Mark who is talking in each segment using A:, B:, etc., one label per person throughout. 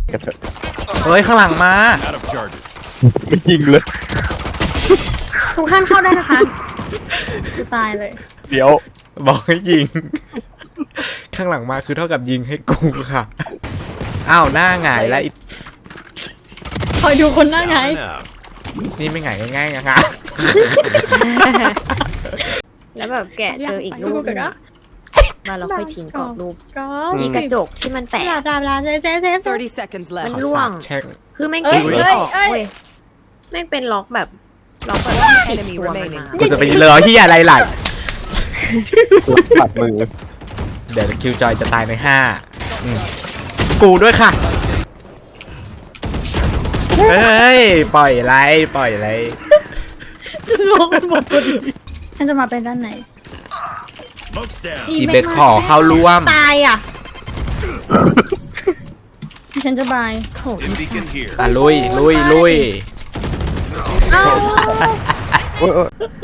A: กันเถอะ
B: เฮ้ยข้างหลังมา
A: ไม่ยิงเลย
C: ทุกท่านเข้าได้นะคะกูตายเลย
A: เดี๋ยว
B: บอกให้ยิง ข้างหลังมาคือเท่ากับยิงให้กูค่ะอ้าวหน้าหงายแล้ว
C: คอยดูคนหน้าไง
B: นี่ไม่หงายง่ายๆนะคะ
D: แล้วแบบแกะเจออีกรูปนึงอะมาเราค่อยทิ้งกรอบรูป
C: ก็
D: มีกระจกที่มันแตก
C: บลาบลาเซฟ
E: 30 seconds
D: มัน
E: left.
D: ร่วง
B: แช่ง
D: คือแม่ง
C: เอ้
D: เก็
C: ย
D: บไม่ออก
C: เอ้ย
D: เว้ยแม่งเป็นล็อกแบบติดตัวมันมา
B: กูจะไปเหลือที่อะไรไหล
A: ปัดมือ
B: เดี๋ยวคิวจอยจะตายใน5กูด้วยค่ะเฮ้ยปล่อยไรปล่อยไร
C: ลงหมดพอดีฉันจะมาเป็นด้านไหน
B: อีเบสขอเข้าร่วม
C: ตายอ่ะฉันจะบายโถ
B: อ่ะลุยลุยลุย
C: เอ้า
A: โอ้ย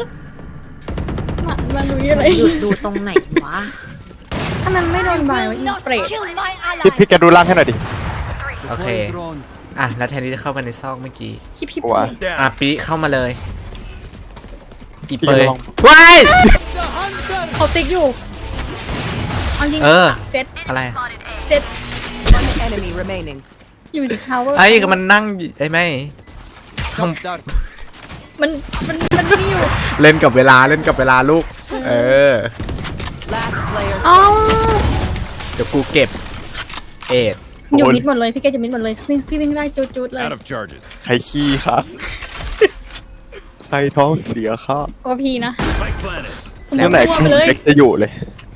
C: มาลุยอะไร
D: หยุดดูตรงไหนวะ
C: ถ้ามันไม่โดนบายวะอีเปรต
A: พี่แกดูล่างให้หน่อยดิ
B: โอเคอ่ะแล้วแทนที่จะเข้ามาในซอกเมื่อกี้
C: คิป
A: วะ
B: อ่ะปีเข้ามาเลยอี
A: พี่
B: เปย
A: ลอง
B: ว้าย
C: เขาติ๊กอยู่เอาจริง
B: เออ
C: เจ็ด
B: อะไร
C: เจ็ด
E: One enemy remaining.
C: อยู่ที่ทาวเวอร์
B: ไอ้ก็มันนั่งไอ้ไม่ข้าง
C: มันนี่อยู่
B: เล่นกับเวลาเล่นกับเวลาลูก เออ
E: Last player.
C: เอ้า
B: เดี๋ยวกูเก็บเอ็ด
C: อยู่มิดหมดเลยพี่แกจะมิดหมดเลยพี่วิ่งได้จุดๆเลย
F: Out of charges.
A: ใครขี้ครับใครท้องเสียครับ
C: โอพีนะ
F: Spike planet.
C: สมม
A: เรื่อง
C: ติ
A: ไหน
C: รวมเลย
A: เล็กจะอยู่เลย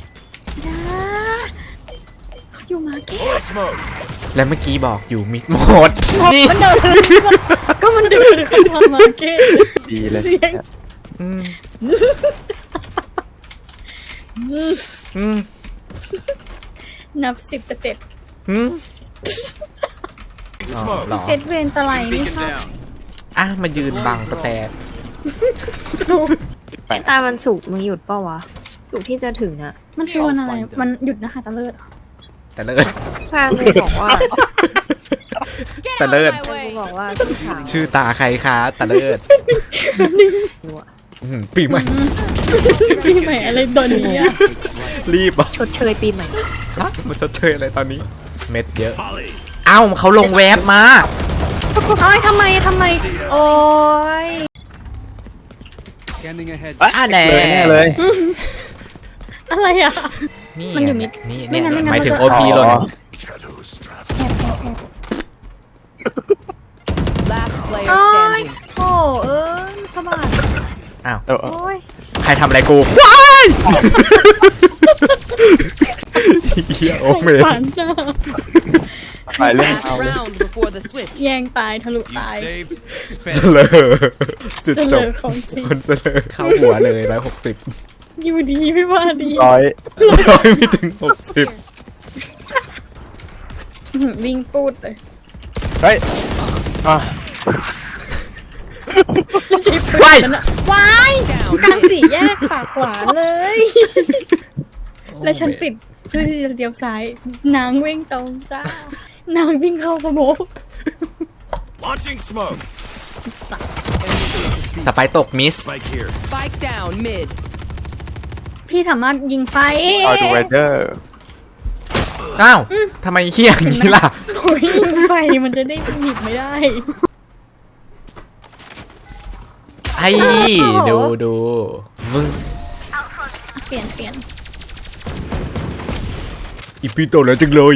C: เขาอยู่มาเก็ต
F: Fully smoked.
B: แล้วเมื่อกี้บอกอยู่มิดหมดนี่
C: มันเดินก็มันเดินเข้ามาเก็ต
A: ดีเลย
C: เสียง
B: อืมอืม
C: นับ10 จะ
B: อืมอ๋อ
F: Smoke.
B: เหรอ
C: 7เวนตะไลนี่
F: Beacon
C: ค่ะ
F: down.
B: อ่ะมายืนบังประแตน
D: ตามันสุกมึงหยุดเปล่าวะสุกที่จะถึงอะ
C: มันคือวันอะไรมันหยุดนะคะตะเลิศ
B: แต่เลิศ
D: พากูบอกว่า
B: แต่เลิศ
D: กูบอกว่าพี่สาว
B: ชื่อตาใครคะแต่เลิศปีใหม่
C: ปีใหม่อะไรตอนนี้อะ
B: รีบอ่ะ
D: ชดเชยปีใหม่
B: ฮะมันจะเชยอะไรตอนนี้ เม็ดเยอะ
F: Polly.
B: เอ้าเขาลงแวบมา
C: โอ้ยทำไมโอ้ย
F: Scanning ahead.
B: อ่ะแน่
A: เลยแน่เลย
C: อะไรอ่ะ
B: นี่
C: มันอยู่มิด
B: นี่
C: ไม่งั้น
B: หมายถึง
C: มัน
B: โอ
C: จะ
B: พีหล่น
A: อ๋อ
E: Last player
C: โอ้ย
E: standing.
C: โอ้สบาย
B: อ้าว
A: เออ
C: โอ้ย
B: ใครทำอะไรกูว้ายเฮียโอเมน
C: ฝันจ้า
A: ไปเรื่อง
E: Last
A: เอาเลย
E: round before the switch.
C: แยงตายทะลุ
F: You
C: ตาย
F: saved.
B: เสลอจุด
C: เส
B: จ
C: ล
B: บ
C: อของจริง
B: คนเสลอเข้าหัวเลย160
C: อยู่ดีไม่ว่าดี
A: ร้อย
B: ร้อยไม่ถึง60
C: วิ่งปูดเลย
A: เฮ้ยอ่ะ
C: ชิป
B: ว้าย
C: มันอะว้ายกลางสี่แยกปากหวานเลย แล้วฉันปิดเพื่อที่จะเลี้ยวซ้ายนางวิ่งตรงจ้านางวิ่งเข้าสโมก
F: Launching smoke.
B: สไปร์ตกมิส
F: Spike here.
E: Spike down mid.
C: พี่สามารถยิงไฟ
A: เอาดูเรเดอร์
B: อ้าวทำไมเฮี้ยอย่างนี้ล่ะ
C: โอ้ยยิงไฟมันจะได้หยิบไม่ได้
B: ไอ้ดูมึง
C: เปลี่ยน
B: อีปีโตแล้วจังเลย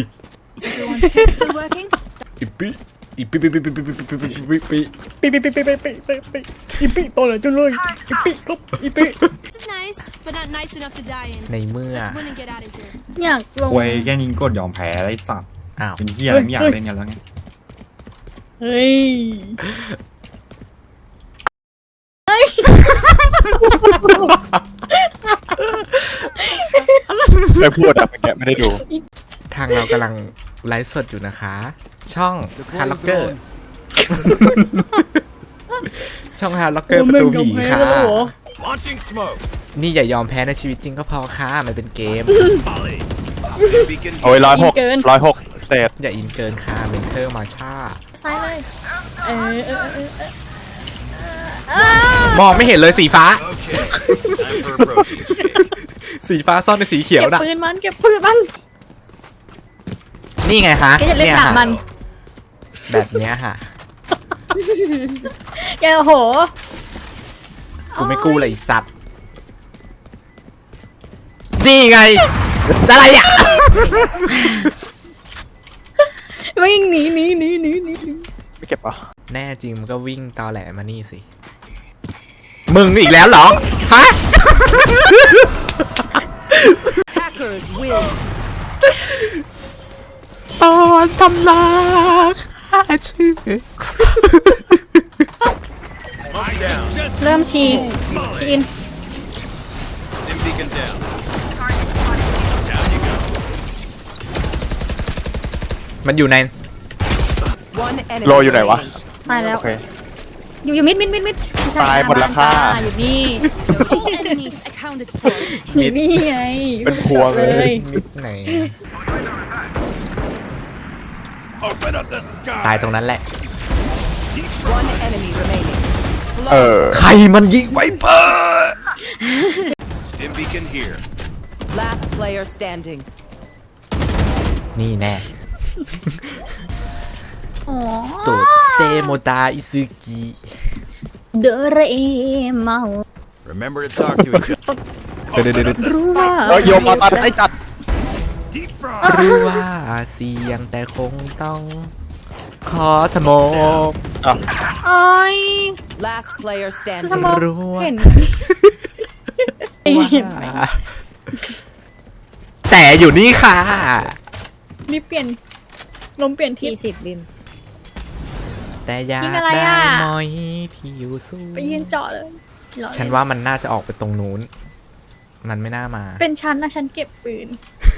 B: อีปีอีปีปี
C: อีปีโตเลยจุเลยอีปีก็อีปี
G: This is nice, but not nice enough to die in.
B: ในเมื่อ
G: Let's win and get out of here.
C: อยากลง
H: ควยแค่นี้กดยอมแพ้ไอ้สัตว์
B: อ้าว
H: เป็นเฮียอะไรไม่อยากเล่นกันแล้วไง
C: เฮ้ย
A: ไม่พูดอะเมื่อกี้ไม่ได้ดู
B: ทางเรากำลังไลฟ์สดอยู่นะคะ ช่องฮาร์ล็อกเกอร์ ช่องฮาร์ล็อกเกอร์ประตูผีค่ะ
F: Launching smoke.
B: นี่อย่ายอมแพ้ในชีวิตจริงก็พอค่ะ มันเป็นเกม
F: Polly. Beacon
A: โอ้ย106 106 เซเสร็จ
B: อย่าอินเกินค่ะเมนเทอร์มาช่า
C: ซ้ายเลยเออ
B: มองไม่เห็นเลยสีฟ้า
F: Okay. Time for a protein shake.
B: สีฟ้าซ่อนในสีเขียว
C: เก็บ
B: น่ะ
C: ปืนมันเก็บปืนมัน
B: นี่ไงฮะ
C: แกจะเล่น
B: ย
C: หนา
B: ฮะ
C: มัน
B: แบบเนี้ยฮะ
C: แกโอ้โห
B: กูไม่กู้เลยไอ้สัตว์นี่ไงอะไรอ่ะ
C: วิ่งหนี
A: ไม่เก็บเหรอ่ะ
B: แน่จริงมันก็วิ่งตอแหลมานี่สิ มึงอีกแล้วเหรอ ฮะ
E: Hackers win.
B: ตอนตำราค่าชื่อ
F: Smoke down.
C: เริ่มชีอิน
F: Stim beacon down. Down you go.
B: มันอยู่ใน
E: One enemy.
A: โลอยู่ไหนวะ
E: remaining.
C: ตายแล้ว
A: โอเค
C: อยู่มิดไม่ใช่
A: ตายหมดแล้วค่ะ
C: อยู่นี่
G: All enemies accounted for.
C: อยู่นี่ไง
A: เป็นพวงเลย
B: มิดไหน
F: Open up the
B: ตาย
F: sky.
B: ตรงนั้นแหละ
E: One enemy remaining.
A: เออ
B: ใครมันยิงไวเปอร์
F: Stim beacon here.
E: Last player standing.
B: นี่แน่
C: อ๋อ
B: โตเตโมตาอิซึกิ
C: เดเรเมา
F: Remember to talk to each other.
B: เดี๋ยว
C: รู้ว่า
A: เฮ้ยโยมมาตัดไอ้จัด
F: Deep fry.
B: รู้ว่าเสียงแต่คงต้อง ขอสโมก
C: โอ้ย
E: Last player
C: ส
E: standing.
C: มอง
B: รู้ว่า
C: เห็น
B: แต่อยู่นี่ค่ะ
C: นี่เปลี่ยนลมเปลี่ยนทิศ
D: 20บิม
B: แต่อยาก
C: ยิงอะไร
B: ได้
C: อ่ะ
B: มอยที่อยู่สูง
C: ไปยืนเจาะเลยหรอ
B: ฉันว่ามันน่าจะออกไปตรงนู้น มันไม่น่ามา
C: เป็นฉันนะฉันเก็บปืน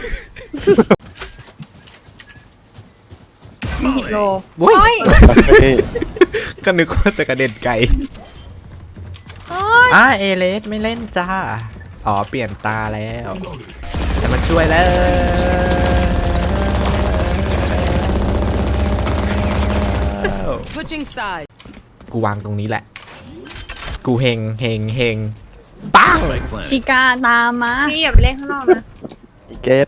D: โล
B: โอ้ย
A: เฮ้ย
B: ก็นึกว่าจะกระเด็นไกล
C: โอ้ย
B: เอเลสไม่เล่นจ้า อ๋อ เปลี่ยนตาแล้วจะมาช่วยแล้ว
E: Switching sides.
B: กูวางตรงนี้แหละ กูเฮงปัง
F: Spike plant.
C: ชิกาตามมา
D: พี่อย่าไปเล่นข้างนอกนะ
A: เกต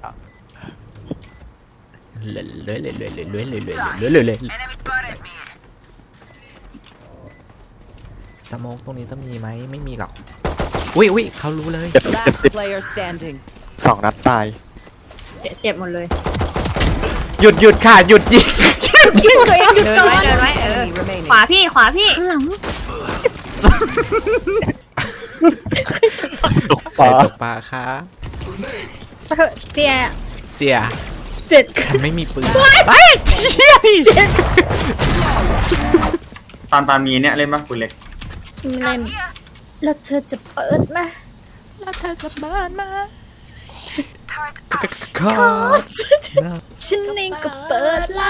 B: สโมกตรงนี้จะมีไหมไม่มีหรอก อุ้ยเขารู้เลย
E: Last player standing.
A: 2 นัดตาย
D: เจ็บหมดเลย
B: หยุดค่ะ หยุดยิง
C: ตัวเองหยุด
D: เดิน
C: ก่อ
D: ไว้
C: น
D: เดินไว้
E: Enemy remaining.
D: ขวาพี่
C: ข้างหลัง
A: ตก
B: ใคร
A: ฟ้า
B: ตกปลาคะ
C: เถอะเจีย
B: เจีย
C: เจ็ด
B: ฉันไม่มีปืนไปเชี่ยดิ
I: ตอนมีเนี่ยเล่นปะปืนเล็ก
C: ไม่เล่นแล้วเธอจะเปิดไหม
B: ขอ
C: ฉันเองก็เปิดละ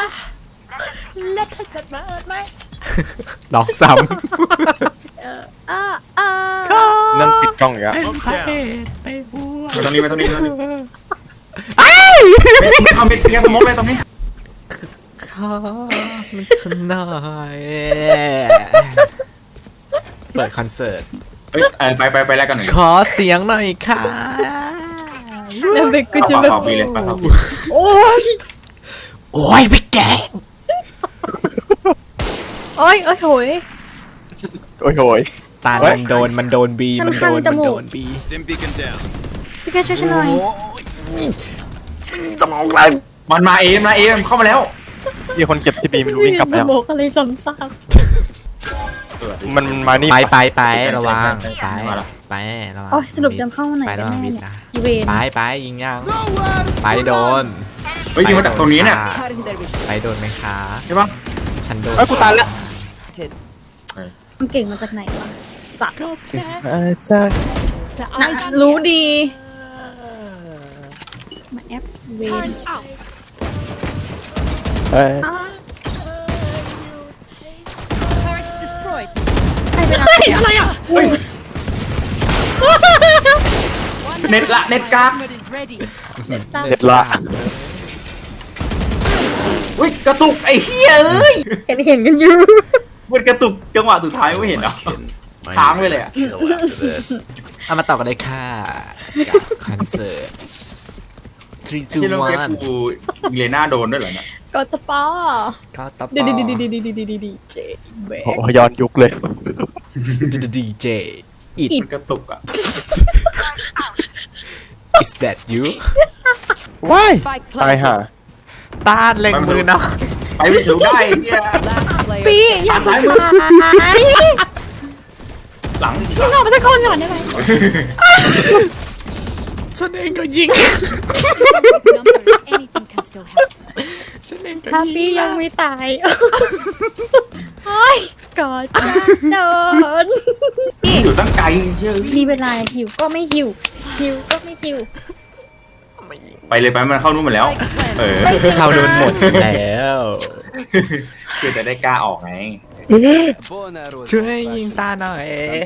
B: ลองซ้
A: นั่นติดกล้องอีกแล้ว
F: Smoke down.
I: ไปตรงนี้ไปตรงนี้ไปตรงนี้เอาไปเรียกสมมติไปตรงนี้
B: ำขอมันสนอยเปิดคอนเสิร์ต
I: เฮ้ยไปแลกกันหน่อย
B: ขอเสียงหน่อยค่ะ
C: แล้วเบกก็จะ
I: ข
C: แบบ
I: อฟรีเลยขอฟรี
C: โอ้ย
B: โอ้ยไปแกะ
C: โอ้ยโอ้ยโหย
A: โอ้ย
B: ตา
A: เฮ้ย
B: มันโดนบี
C: ฉัน
B: มัน
C: คันจมูก
B: โดนบี
F: Stim beacon down.
C: พี่แค่ช่วยฉันหน่อย
B: สมองไร
I: มันมาเอ็มเข้ามาแล้ว
A: มีคนเก็บที่บีไม่รู้วิ่งกลับไป
C: ส
A: แล้ว
C: มองอะไรซ้ำซาก
A: มันมานี่
B: ไประวังไประวัง
C: โอ้ยสรุปจำเข้ามาไหน
B: ไประ
C: กัน
B: วัง
C: แน่
B: บิด
C: เนี่ย
B: นะ
C: เวน
B: ไปยิงยังไปโดน
I: เฮ้ยยิงมาจากตรงนี้เนี่ย
B: ไปโดนไหมคะ
I: ใช่ปะ
B: ฉันโดน
A: เอ้ยกูตายแล้ว
C: มันเก่งมาจากไหนวะสัตว์
A: สัก
C: นะรู้ดีมาแอปเวน
A: เอ้ย
G: Turret destroyed.
C: ใครเป็นอะไรอ่ะ
I: เน็ตกาก
G: Ultimate is ready.
A: เจ็ดละ
I: อุ้ยกระตุกไอ้เหี้ยเอ้ย
C: เห็นกันอยู่
I: มันกระตุกจังหวะสุดท้ายไม่เห็นเหรอ ค้างไปเลยอะ
F: Kill after this.
B: เอามาต่อกันเลยค่ะคอนเสิร์ต 3
I: ที่เรื่อง
B: 2
I: เก็บกูเลน่าโดนด้วยเหรอเนี่ย
C: ก็ตะปอ
B: 1ก็ต่อ
C: ดี
B: ไป
C: ดีเจเบ
A: โอ้โหย้อนยุคเลย
B: ดีเจ It
I: มันกระตุกอ่ะ
B: is that you
A: ว้าย
E: Spike
A: ตายห่า
E: planted.
B: ต้านเล็งมือเนาะ
I: ไปไม่ถูกได้ไอ้เนี่ย
E: Last player
C: ปี
E: standing.
C: อย่า
I: ซ้ายมือ
C: ปี
I: หลัง
C: มึงออกมาสักคนก่อนได้ไหม
B: ฉันเองก็ยิง
G: Number, anything can still help.
B: ฉันเองก็
C: ถ้า
B: ยิ
C: ปี
B: ง
C: ยังไม่ตายโอ้ยกอดจะโดน
I: อยู่ตั้งไกลเชื่อ
C: มีเวลาหิวก็ไม่หิวหิวก็ไม่หิว
I: ไปเลยไปมันเข้านู่นหมดแล้ว เออ
B: เขาโดนหมดแล้ว
I: คือจะได้กล้าออกไง
B: ช่วยยิงตาหน่อย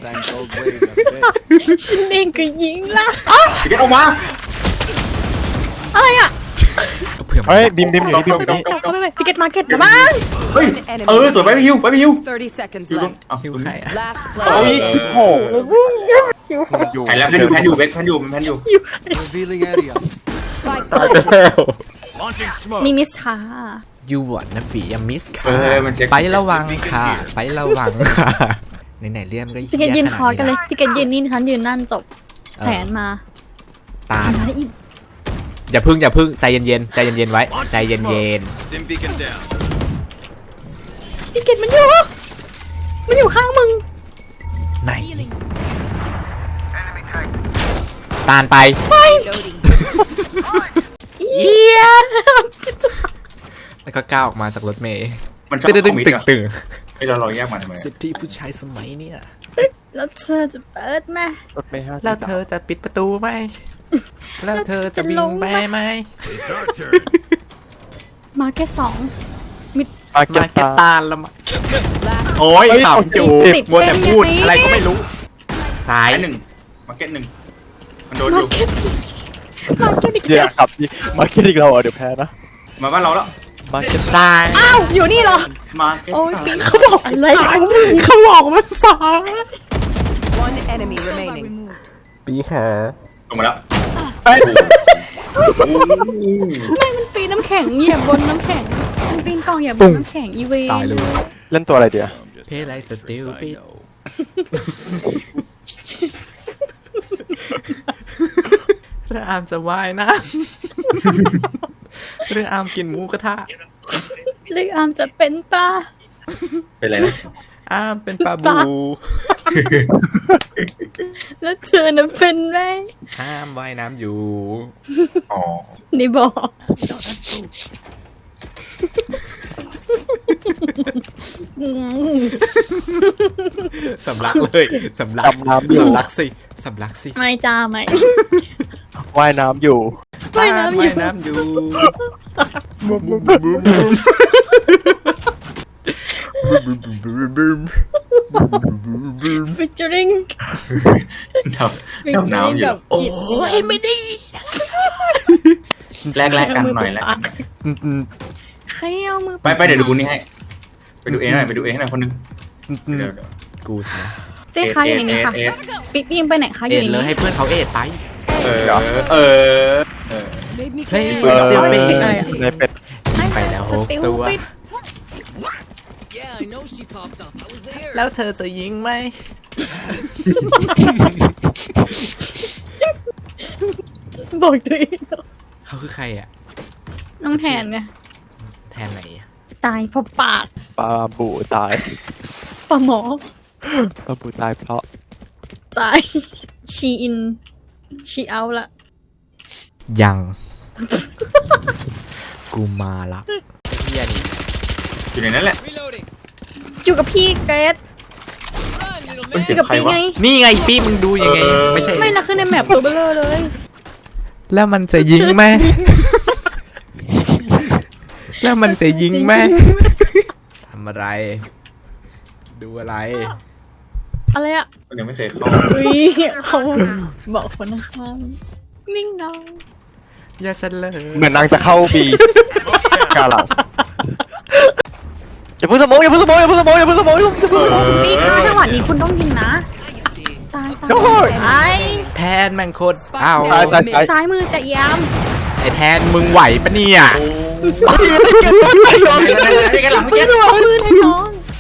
C: ฉันเองก็ยิงละ
I: พี่เกตออกมา
C: อะไรอ่ะ
B: เผื่อ
A: เฮ้ยบิมอยู่นี่บิมอยู่นี่
C: กลับเข้าไปพิกเก็ตมาร์เก็ตมาบ้าง
I: เฮ้ย เออสวยไปพี่ฮิวไปพี่ฮิว
E: 30 seconds
I: อยู่ตรง
E: left.
I: อ้าว
B: หิวใครอะ
E: Last
A: โอ้ย
E: player.
A: คิดโหอยู่
I: แผ่นแล้วแผ่นอยู่แผ่นอยู่เบคแผ่นอยู่แผ่นอยู่
F: Revealing area.
E: Spike
B: ตาย
E: planted.
B: แล้ว
F: Launching smoke.
C: นี่มิสค่ะ
B: ยูวอนนะปีอย่ามิสค่ะ
I: เออมันเช็ค
B: ไประวังค่ะ ไประวังค่ะไหนๆเรื่องก็
C: พี่เกดยืนคอร์สกันเลยพี่เกดยืนนี่ฉันยืนนั่นจบ แผนมา
B: ตา
C: มาอีก
B: อย่าพึ่งใจเย็นๆใจเย็นๆไว้ใจเย็น
F: Stim beacon down.
C: พี่เกดมันอยู่ข้างมึง
B: ๆไหนตานไป
C: เยีย
B: แล้วก็ก้าวออกมาจากรถเมย์
I: มันชอบ
B: ตึ้ง
I: คอมมิต
B: ตึง
I: อะ
B: ตึง
I: ให้เราแยกมันทำไม
B: สิทธิผู้ชายสมัยเนี่ย
C: แล้วเธอจะเปิดไหม
A: รถเมล์5
B: แล้วเธอจะปิดประตูไหมแล้วเธอจะวิ่งไปไหม
F: It's our turn.
C: มาร์เก็ต2
A: มาเก็
B: มา
A: ต
B: เก็ต
A: ตา
B: ตาลละมา
E: Last
B: โอ้ยขำอยู่
C: ติด
B: มัวแต่พูด
C: เป็นอย่างนี้
B: อะไรก็ไม่รู้ซ้าย
I: ซ้ายหนึ่งมาร์เก็ตหนึ่งมันโดนอยู่
C: มาร์เก็ตอีก
A: เดี๋ยวครับมาเก็ตอีกเราเดี๋ยวแพ้นะ
I: มาบ้านเราแล้ว
A: มาเก็ต
B: ซ้าย
C: อ้าวอยู่นี่เหรอ
I: มาร์เก็ต
C: โอ้ยปีเขาบอกอะไรของมึง
B: เขาบอกว่าซ้าย
E: one enemy remaining.
G: Removed.
B: ปีขา
I: ลงมาแล้ว
C: ไม่มันปีนน้ำแข็งเหยียบบนน้ำแข็งมันปีนกองเหยียบบนน้ำแข็งอีเวน
B: ตายเลย
A: เล่นตัวอะไรเดี๋ยว
B: เพลไรสติลปิดเรื่องอามจะว่ายนะเรื่องอามกินหมูกระทะ
C: เลือกอามจะเป็นปลา
I: เป็นไรนะ
B: อามเป็นปลา
C: ปลา
B: บู
C: แล้วเธอน่ะเป็นไหม
B: ห้ามว่ายน้ำอยู่
I: อ๋อ
C: นี่บอก
B: สำลักเลยสำลัก
A: ดำน้ำอยู่
B: สำลักสิสำลักสิ
C: ไม่จ้าไม่
A: ว่ายน้ำอยู่
C: ว่ายน้ำอยู่
B: ว่ายน้ำอยู่
C: ฟิชเจอริง
I: ดำน้ำอยู่
C: โอ้ยไม่ได้
I: แลกกันหน่อยแลกกัน
C: ใครเอามือ
I: ไปเดี๋ยวดูนี่ให้ ไปดูเองหน่อยไปดูเองหน่อยคนนึงเดี๋ยว
B: กูสินะ
C: เจ๊คะอยู่ในนี้ค่ะ
I: เอส
C: ปิ๊กยิงไปไหนคะอ
B: เอ็
C: ยู่
B: ด
C: ใน
B: เลย
C: นี้
B: ให้เพื่อนเขาเอ็ดไป
I: เออเออ
E: Made me
B: เฮ้ย
E: care.
A: เออ
B: เดี๋ยวไป
A: ในเป็ด
B: ไปแล้ว
C: สติล
B: ตัว
C: ปิด
E: Yeah, I know she popped up. I was there.
B: แล้วเธอจะยิงไหม
C: บอกตัวเอง
B: เขาคือใครอ่ะ
C: น้องแทนไง
B: แทนไหนอะ
C: ตายเพราะปาก
A: ปลาบูตาย
C: ปลาหมอ
A: ปลาบูตายเพราะ
C: ตายชีอินชีเอาละ
B: ยัง กูมาละเฮียนี่
I: อยู่ในนั้นแหละ
C: อยู่กับพี่เกรซ
I: เป็น
C: อ
I: เสีย
C: ยู่
I: ง
C: กับ
I: ใคร
C: พี่
I: วะ
C: ไง
B: นี่ไงพี่มึงดูยังไง
I: เออ
B: ไม่ใช่
C: ไม่นะคือในแมปตัวเบลอเลย
B: แล้วมันจะยิงไหม แล้วมันจะยิงไหมทำอะไร ดูอะไร
C: อะไรอะ
I: มันยังไม่เคยเข้า
C: อุ้ยเขาบอกคนข้างๆนิ่งนอง
B: อย่าเสลอ
A: เหมือนนางจะเข้าบีกาลัสอย่าเพิ่งสมองอย่าเพิ่งสมองอย่าเพิ่งสมองอย่าเพิ่งสมองอย่าเพิ่งสมอง
C: นี่ค่ะจังหวะนี้คุณต้องยิงนะ ตาย
A: โอ้ย
C: ไอ้
B: แทนแม่งโคตรอ้าว
A: ตายตายตาย
C: ซ้ายมือจะย้
B: ไอ้แทนมึงไหวปะเนี่ย
I: ไม่กันหลังไม่
C: ำ
I: เก็ต
C: เอาปืนให้น้อง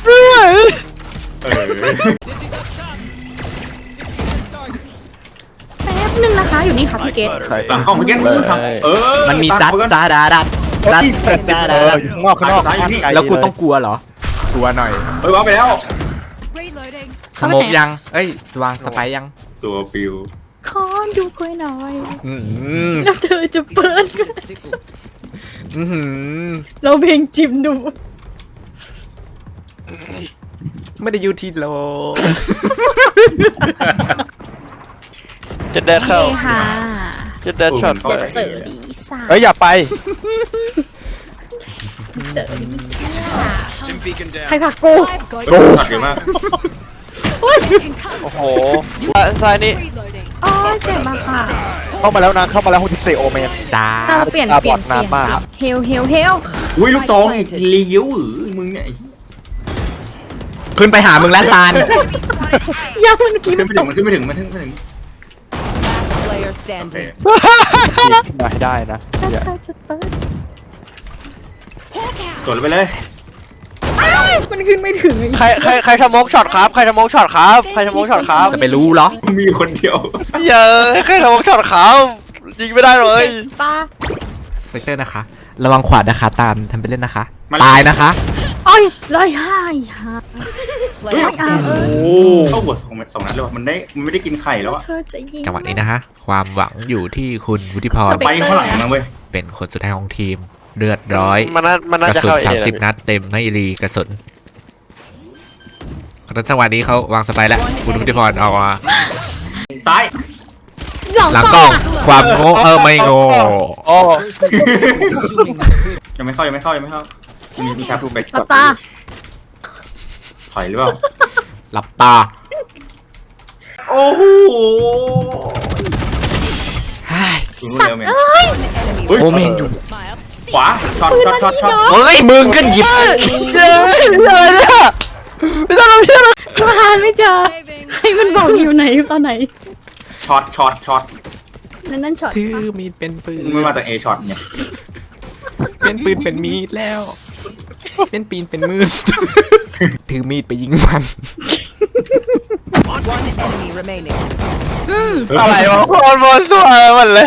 C: แป๊บนึงนะคะ อยู่นี่ค่ะพี่เกด
I: หลังห้องไม่เก็ต
B: มันมีจัดจ้าดาดัดจัดจ้าดาดัด
A: อยู่ข้างนอกข้างนอก
B: แล้วกูต้องกลัวเหรอ กลัวหน่อย
I: เฮ้ยว้าไปแล้ว
G: Reloading.
B: สโมกยัง เอ้ยวางสไปร์ยัง
I: ตัวปิว
C: ขอดูคุยหน่อย
B: อืม
C: แล้วเธอจะเปิด
E: Tickle.
B: อื้อหือ
C: เราเพลงจิมดู
B: ไม่ได้อยู่ที่โล
A: จะเดินเข้า
C: ค่ะ
A: จะเดินช็อต
C: อย่าเจอดีสาย
A: เฮ้ยอย่าไป
C: เจอดี
F: Dim beacon
C: ใคร
F: down.
C: ผลักกู
G: I've got
I: โอ้
G: you.
I: ตัดเยอะมาก
A: โอ้โหซ้ายนี่
G: Reloading.
C: อ๋อเจ็บมากค่ะ
A: เข้ามาแล้วนะเข้ามาแล้ว64โอเมน
B: จ้า
C: ซาเปลี่ยน
A: ตา
C: เปลี่ยน
A: บอดนานมาก
C: เฮลเฮลเฮล
I: อุ้ยลูกซองไอ้เลี้ยวมึงเนี่ย
B: ขึ้นไปหามึงแล้วตาล
C: ยังมันกิน
I: ขึ้นไม่ถึงมันขึ้นไม่ถึงมันขึ้นไม่ถึง
E: Player
I: โอเค
E: standing.
A: มาให้ได้นะ
C: ถ้า
A: เดี๋ยว
C: เธอจะเปิด
I: สวนไปเลย
C: มันขึ้นไม่ถึง
A: ใครทำมกช็อตครับใครทำมกช็อตครับใครทำมกช็อตครับ
B: จะไปรู้เหรอ
I: มีคนเดียว
A: เยอะใครทำมกช็อตครับยิงไม่ได้เลย
C: ป้า
B: สเปกเตอร์นะคะ ระวังขวานะคะตามทำไปเล่นนะคะ
I: มัน
B: ตายนะคะ
C: อ้อยร้อยห้าฮะ
E: Player
C: อ่า
E: standing.
A: โอ้
I: เข้าหัวสองนัดเลยมันไม่ได้กินไข่แล้วอะ
C: เธอจะยิง
B: จังหวะนี้นะคะ ความหวังอยู่ที่คุณวุฒิพร
I: ไปข้างหลังนะเว้ย
B: เป็นคนสุดท้ายของทีม เลือดร้อย
A: มันน่าก
B: ระ
A: จะ
B: สุน
A: เข้าเอ
B: 30 นัดเต็มไม่รีกระสุนเพราะฉะนั้นจังหวะนี้เขาวางสไปร์แล้ว คุณวุฒิพรเอามา
I: ซ้าย
B: หลังกล้อง ความโง่ไม่โง่
A: โอ้
I: ยังไม่เข้ายังไม่เข้ามีแคปทูเบก
C: หลับตา
I: ถอยหรือเปล่า
B: หลับตา
I: โอ้โห
B: เฮ้ย
I: ดูนู่นเร็วเมน
B: โอเมนอยู่
I: ขวาช็อต
B: เฮ้ยมึงก็หยิบ
A: เย้เลยเนี่ยไม่ต้องเพี้ยน
C: หาไม่เจอใครมันบอกอยู่ไหนตอนไหน
I: ช็อต
C: นั่นช็อต
B: ถือมีดเป็นปืน
I: มึงมาจากเอช็อตเนี่ย
B: เป็นปืนเป็นมีดแล้ว เป็นปีนเป็นมือ ถือมีดไปยิงมัน
E: One enemy remaining.
A: อะไรวะบอลสวยหมดเลย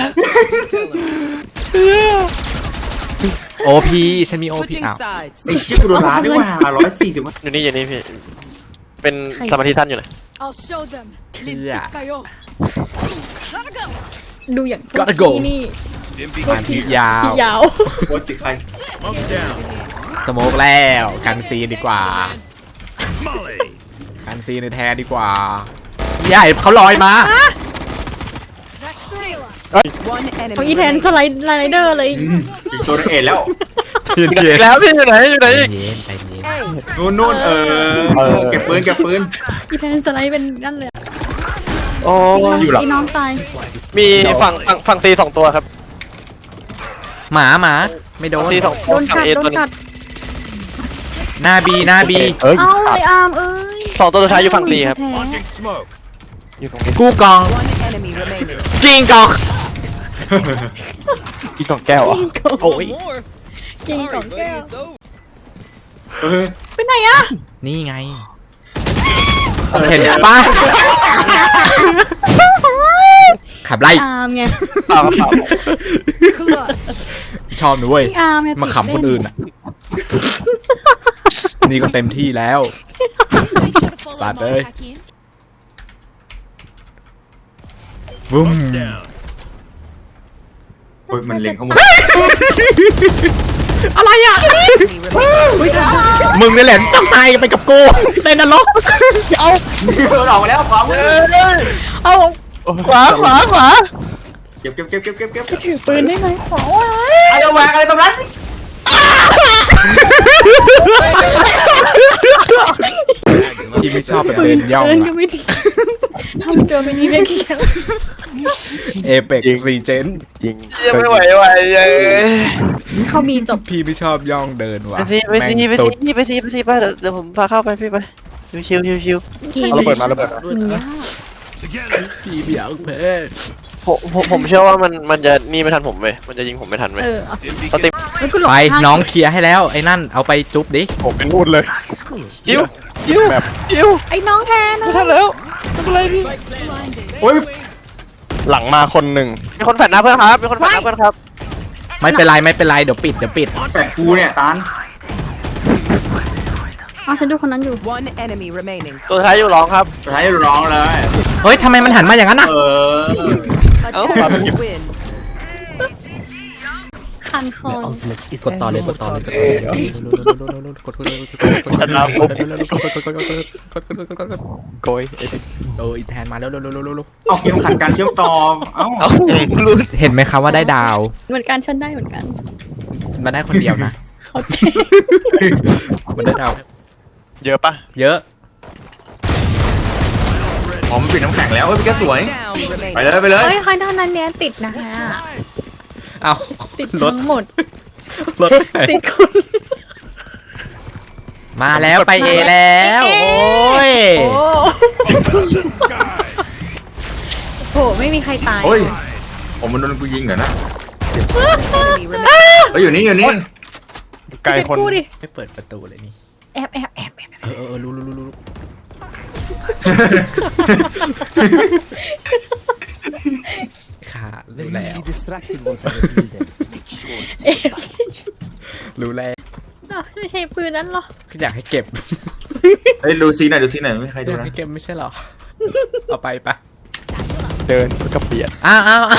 B: โอพีฉันมีโอพี
E: Switching
B: อ้าว
E: sides.
I: ไอ้ชิบกูโดนล้านด้วยว่า140วะ
A: อยู่นี่พี่เป็นสมาธิท่านอยู่เลย
G: I'll show them.
B: เชื่อ
G: Kayo. Gotta go.
C: ดูอย่าง
B: Gotta go
C: นี่
F: Dim
B: มัน
F: beacon
B: ที่
F: here.
B: ยาว
C: ยาว
I: โคตรติดใคร
F: Smoke down.
B: สโมกแล้วกันซีดีกว่า
F: Molly.
B: กันซีในแทนดีกว่าใหญ่เขาลอยมา
G: That's three.
E: One
C: ของ
E: enemy
C: อีแทน
E: remaining.
C: สไลเดอร์เลย
I: อีกตัวนึงเอ็นแล้ว
B: เย็น
A: อีกแล้วพี่อยู่ไหนอีก
B: ใจเย็นใจเย็น
I: นู่นเก็บปืน
C: อีแทนสไลด์เป็นนั่นเลย
A: โอ้
C: อีน้องตาย
A: มีฝั่งซี2ตัวครับ
B: หมาไม่โดน
A: ซี2ตัว
C: โดน
A: ฝั่
C: กั
A: ง
C: ด
A: เอ
C: โด
A: ตัวน นึง
C: กัด
B: หน้าบี
A: เอ้ย
C: เอาไออาร์มเอ้ย
A: 2ตัวสุดท้ายอยู่ฝั่งซีครับ
C: แท้
F: Launching smoke.
A: อยู่ตรงนี้
B: กู้กอง
E: One enemy remaining.
B: กิงกอง
A: อีกกล่องแก้วอ่ะ
B: โอ้ย
C: จริงสองแก้ว
I: เออ
C: ไปไหนอะ
B: นี่ไง เห็นปะขับไล่
C: อาร์มไง
A: เปล่าครับเปล่า
B: ชอบนะเว้ย
C: พี่อาร์มไง
B: มาขำคนอื่นอ่ะ นี่ก็เต็มที่แล้ว
G: Follow
B: Sad
G: my
B: day.
G: hack in.
B: วุ้ม
F: Down.
I: โอ้ยมันเล็งเข้ามา
B: อะไรอ่ะ มึงนี่แหละต้องตายไปกับกูในนรก
A: เอา
I: เออออกมาแล้วขวามือ
C: เอา
A: ขวา
I: เก็บ
C: ถือปืนได้ไหมขอ
I: อะไรแหวกอะไรตรงนั้น
B: ที่ไม่ชอบแบบเดินย่อง
C: เดินก็
B: อะ
C: ไม่ดีทำตัวเป็นนี้ได้แค่
B: เอเปกรีเจน
A: ยิงยังไม่ไหวเลย
C: เขามีจบ
B: พี่ไม่ชอบย่องเดินว่ะ
A: ไปซีไปซีไปเดี๋ยวผมพาเข้าไปพี่ไปชิว
C: เกม
A: เอาระเบิดมาระเบิดมา
C: มันยาก
F: Together.
B: พี่เบียงเพ
A: ผมเชื่อว่ามันจะนี่ไม่ทันผมเว้ยมันจะยิงผมไม่ทันเว้ย
C: เอา
F: Stim
A: สติ
F: beacon.
C: แล้วกูหลบ
B: ไป
C: ข้าง
B: น้องเคลียร์ให้แล้วไอ้นั่นเอาไปจุ๊บดิ
A: ผมเป็นนู่นเลยยิวแบบยิว
C: ไอ้น้องแทน
A: ไม่ทันแล้วไม่เป็นไรพี่
I: โอ้ย
A: หลังมาคนหนึ่งมีคนแฝดหน้าเพื่อนครับมีคนแฝดหน้าเพื่อนครับ
B: ไม่เป็นไรเดี๋ยวปิด
I: แปดกูเนี่ยตาน
C: อ๋อฉันดูคนนั้นอยู่
G: One enemy remaining.
A: ตัวท้ายอยู่ร้องครับ
I: สุดท้ายร้องเลย
B: เฮ้ยทำไมมันหันมาอย่างนั้นอ่ะ
G: Attackers win.
C: คันคอน
B: กดต่อเลยกด
A: โกย
B: โอ้ยแทนมาแล้ว
I: เอาเกมขัดการเชื่อมต่อเอ้า
B: เห็นไหมครับว่าได้ดาว
C: เหมือนกันฉันได้เหมือนกัน
B: มาได้คนเดียวนะ
C: เขาใจ
B: มันได้ดาว
A: เยอะปะ
B: เยอะ
I: อ๋อมันปิดน้ำแข็งแล้วเฮ้ยพี่แกสวย
G: Down
I: ไป
G: remaining.
I: เลยไปเลย
C: เฮ้ยใครด้านนั้นเนี้ยติดนะฮะ
B: เอา
C: ติด
B: รถ
C: ทั้งหมด ติดคุณ
B: มาแล้วไปเอแล้วโอ้ย
C: โหไม่มีใครตาย
I: โอ้ยผมมันโดนกูยิงเหรอนะ
G: Enemy remaining.
I: เฮ้ยอยู่นี่อยู่นี่
A: ไกลคน
C: กูดิ
B: ไม่เปิดประตูเลยนี่
C: แอบ
B: รู้ค่ะรู้แล้ว
E: Distracted once I reveal them. Make sure to
C: แอบ
B: รู้แล้ว
C: อ้าวไม่ใช่ปืนนั้นหรอ
B: อยากให้เก็บ
I: เฮ้ยดูซีหน่อยไม่มีใคร
B: อ
I: ดู
B: ยาก
I: นะ
B: ให้เก็บไม่ใช่หรอเอาไปปะ
A: เดินก็เปลี่ยน
B: อ้าว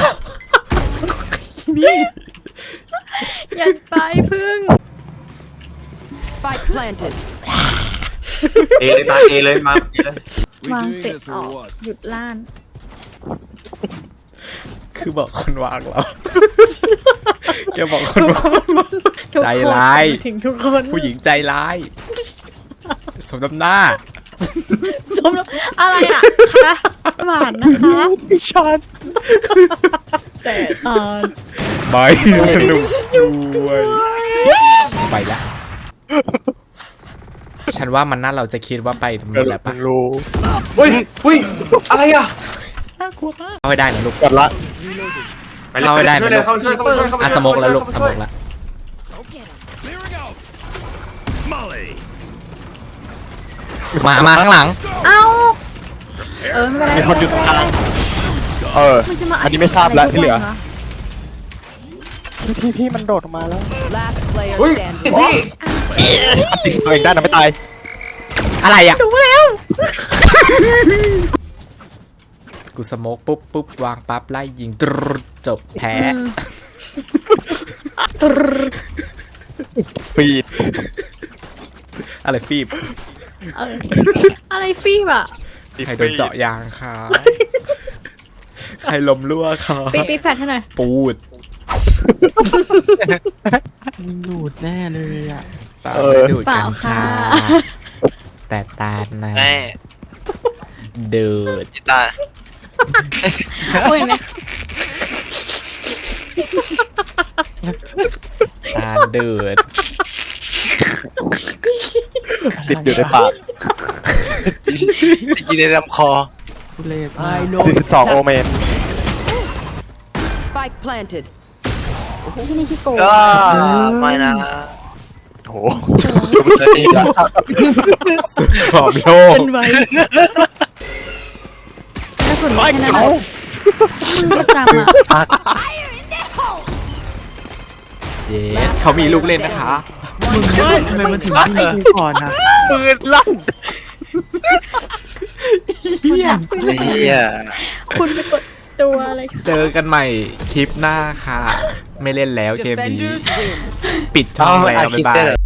C: อย่าไปพึ่ง
G: Spike planted.
I: เอเลยตาเอเลยมาเอเลย
C: วางเสร็จออกหยุดล่าน
B: คือบอกคนวางเราแกบอกคนวาง
C: ทุก
B: ใจ
C: คน
B: ร้าย
C: ถึงทุกคน
B: ผู้หญิงใจร้าย สมน้ำหน้า
C: สมแล้วอะไรอ่ะคะหวานนะคะ
A: ชัน
C: แต่ตอน
B: ไม่สนุกด้วยไปละฉันว่ามันน่าเราจะคิดว่าไปหมดแล้วปะ
A: รู้
I: เฮ้ยเฮ้ยอะไรอ่ะ
B: เอาให้ได้นะลูก
A: กดละ
I: ไปเลย
B: เข้าไม่ได้
I: ช่วยเลยเข้าช่วยเข้าช่วยเข้า
B: อ่ะสโมกแล้วลูกสโมกแล้ว
F: Clearing out. Molly.
B: มาข้างหลัง
C: เอ้าไม่เป็นไร
A: มีคนอยู่ตรงกลาง
C: มันจะมา
A: อันนี้ไม่ทราบแล้วที่เหลือ
C: ะไรทุกวันวะ
A: พี่มันโดดออกมาแล้ว
G: Last player
I: เฮ้ย
G: standing.
I: พี่
A: ตัวเองได้นะไม่ตาย
B: อะไรอ่ะ
C: ดูแล้ว
B: กูสโมกปุ๊บวางปั๊บไล่ยิงตรึดจบแพ้
A: ฟีด
B: อะไรฟีบ
C: อะไรฟีบอ่ะ
B: ใครโดนเจาะยางค่ะใครลมรั่วค่ะ
C: ปีแฟดให้หน่อย
B: ปูด
A: ดูดแน่เลยอ่ะ
B: ตาไม่ดูด
C: เป
B: กั
C: ล่า
B: ญ
C: ค่ะ
B: ชาแต่ตานะ
A: แน่
B: ดูด
A: ตา
C: โอ้ยไหม
B: ตาดูด
A: ติดอยู่ในปากกินในลำคอ
E: I know
A: 42โอเมน
G: Spike planted.
C: ที่นี่ขี้โกง
A: ไม่นะโอ้โห
B: ขอบโลก
C: เป็นไว้กระสุนไม่แค่นั้นแหละมือประจำอ่ะ
B: เย้เขามีลูกเล่นนะคะ
A: ทำไมมันถึงยิงก่อนนะปืนลั่นเฮีย
C: คุณไปกดตัวอะไร
B: เจอกันใหม่คลิปหน้าค่ะ ไม่เล่นแล้วเกมนี้
G: Defenders win.
B: ปิดช่องแล้วบ๊ายบาย